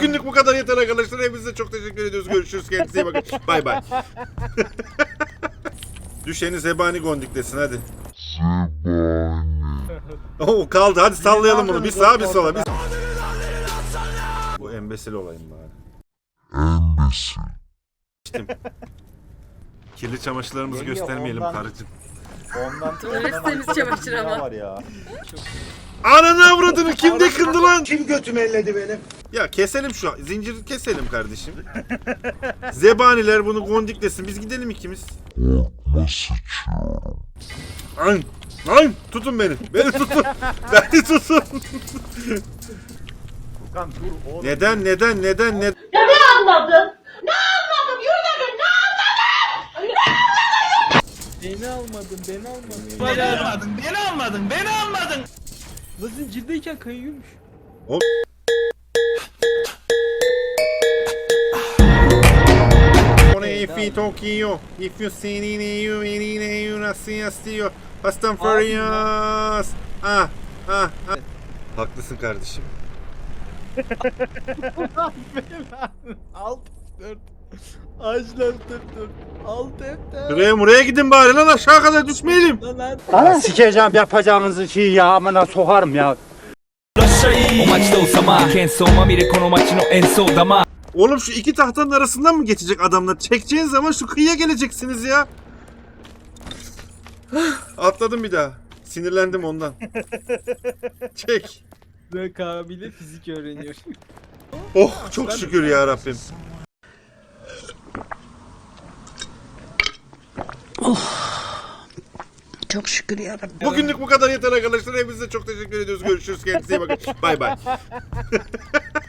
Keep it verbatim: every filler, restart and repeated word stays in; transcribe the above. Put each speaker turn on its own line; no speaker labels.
Bugünlük bu kadar yeter arkadaşlar. Hepinize çok teşekkür ediyoruz. Görüşürüz. Kendinize iyi bakın. Bay bay. Düşeni zebani gondiklesin hadi. Oo kaldı. Hadi sallayalım bunu. Bir sağa bir sola. Bir... Bu embesil olayım bari. Embesil. İşte. Kirli çamaşırlarımızı
Geliyor,
göstermeyelim
ondan-
karıcığım.
Ondan
Öyle temiz çamaşır ama.
var ya.
Ananı avradını kim dekindi lan?
Kim götümü elledi benim?
Ya keselim şu an. Zinciri keselim kardeşim. Zebaniler bunu gondiklesin. Biz gidelim ikimiz. Lan! Lan! Tutun beni. Beni tutun. Beni tutun.
Furkan dur oğlum.
Neden neden neden neden?
Ne anladın? Ne anladım? Yürü dedim, ne anladın?
Beni almadın, beni almadın.
Beni almadın, beni almadın, beni almadın.
La zincirdeyken kayıyormuş.
If you Tokyo, if you see me, you me, you not see us, you Fast and Furious. Ah, ah, ah. Haklısın kardeşim.
Alt dört. Ağaçlar dört dört. Alt F dört.
Buraya buraya gidin bari lan aşağı kadar düşmeyelim.
Lan lan.
Sikeceğim yapacağınızı şey ya amına sokarım ya.
Oğlum şu iki tahtanın arasından mı geçecek adamlar? Çekeceğin zaman şu kıyıya geleceksiniz ya. Atladım bir daha. Sinirlendim ondan. Çek.
Rekabile fizik öğreniyor.
Oh çok şükür ya Rabbim.
Çok şükür yarabbim.
Bugünlük bu kadar yeter arkadaşlar. Hepinize çok teşekkür ediyoruz. Görüşürüz. Kendinize iyi bakın. Bay bay.